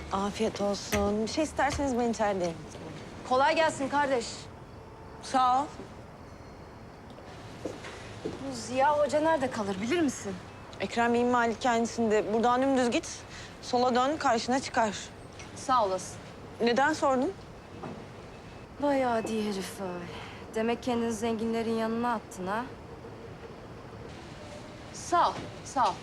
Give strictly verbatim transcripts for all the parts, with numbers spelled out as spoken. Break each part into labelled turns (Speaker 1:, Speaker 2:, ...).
Speaker 1: Afiyet olsun. Bir şey isterseniz ben içerideyim.
Speaker 2: Kolay gelsin kardeş.
Speaker 1: Sağ ol.
Speaker 2: Bu Ziya Hoca nerede kalır bilir misin?
Speaker 1: Ekrem Bey'in malikanesinde. Buradan dümdüz git. Sola dön, karşına çıkar.
Speaker 2: Sağ olasın.
Speaker 1: Neden sordun?
Speaker 2: Vay adi herif vay. Demek kendini zenginlerin yanına attın ha? Sağ ol, sağ ol.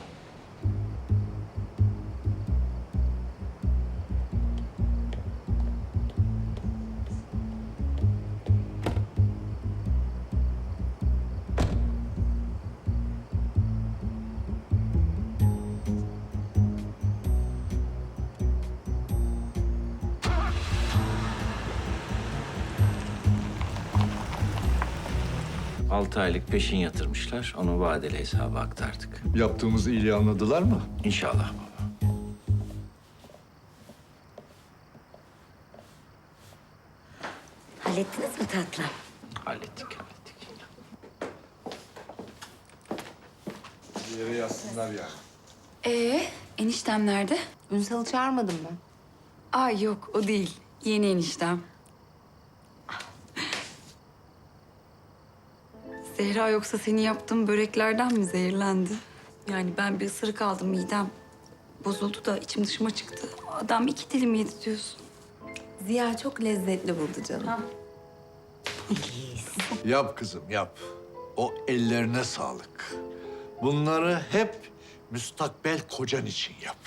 Speaker 3: Altı aylık peşin yatırmışlar. Onu vadeli hesaba aktardık.
Speaker 4: Yaptığımız iyiliği anladılar mı?
Speaker 3: İnşallah baba.
Speaker 5: Hallettiniz mi tatlım?
Speaker 3: Hallettik, hallettik.
Speaker 4: Bir yere yazsınlar yani.
Speaker 6: Ee, eniştem nerede?
Speaker 2: Ünsal'ı çağırmadın mı?
Speaker 6: Ay yok, o değil. Yeni eniştem. Zehra yoksa senin yaptığın böreklerden mi zehirlendi? Yani ben bir ısırık aldım, midem bozuldu da içim dışıma çıktı. Adam iki dilim yedi diyorsun.
Speaker 5: Ziya çok lezzetli buldu canım.
Speaker 4: Yap kızım yap. O ellerine sağlık. Bunları hep müstakbel kocan için yap.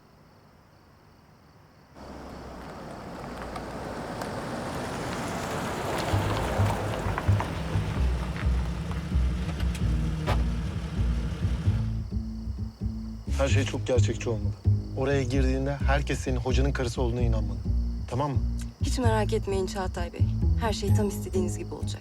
Speaker 7: Her şey çok gerçekçi olmalı. Oraya girdiğinde herkes senin hocanın karısı olduğuna inanmalı. Tamam mı?
Speaker 2: Hiç merak etmeyin Çağatay Bey. Her şey tam istediğiniz gibi olacak.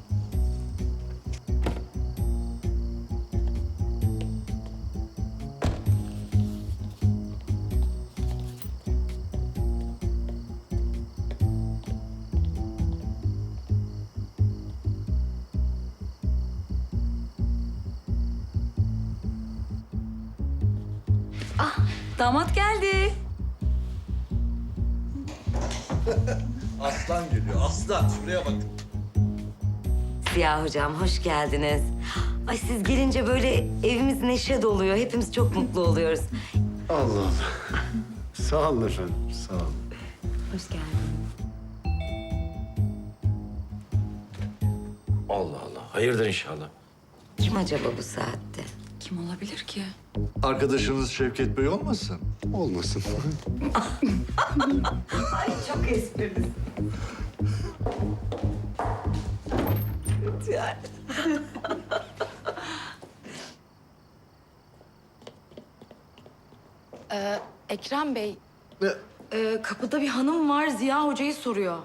Speaker 6: Damat geldi.
Speaker 4: Aslan geliyor aslan. Şuraya bakın.
Speaker 5: Ziya hocam hoş geldiniz. Ay siz gelince böyle evimiz neşe doluyor. Hepimiz çok mutlu oluyoruz.
Speaker 8: Allah Allah. Sağ olun efendim, sağ olun.
Speaker 5: Hoş geldiniz.
Speaker 3: Allah Allah. Hayırdır inşallah.
Speaker 5: Kim acaba bu saatte?
Speaker 6: Kim olabilir ki?
Speaker 4: Arkadaşınız Şevket Bey olmasın?
Speaker 8: Olmasın.
Speaker 5: Ay çok esprili.
Speaker 6: Ee, Ekrem Bey,
Speaker 4: Ne?
Speaker 6: e, kapıda bir hanım var, Ziya Hoca'yı soruyor.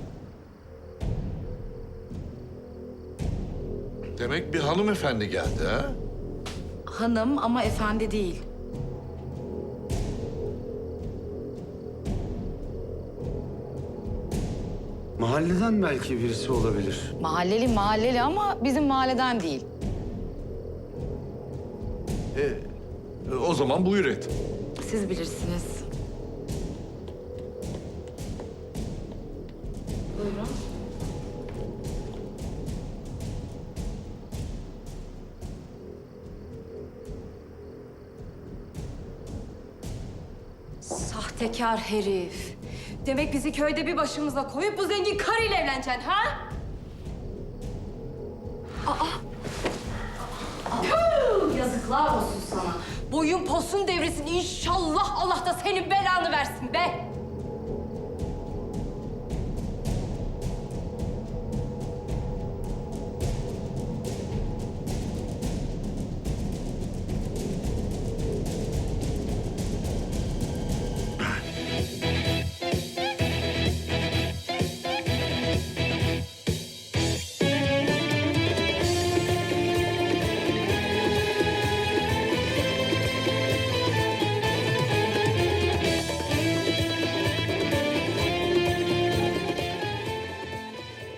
Speaker 4: Demek bir hanımefendi geldi ha?
Speaker 6: Hanım ama efendi değil.
Speaker 8: Mahalleden belki birisi olabilir.
Speaker 6: Mahalleli mahalleli ama bizim mahalleden değil.
Speaker 4: E, e, o zaman buyur et.
Speaker 6: Siz bilirsiniz. Buyurun.
Speaker 2: Sahtekar herif. Demek bizi köyde bir başımıza koyup bu zengin karıyla evleneceksin ha? Tüh, yazıklar olsun sana. Boyun posun devresin inşallah Allah da senin belanı versin be.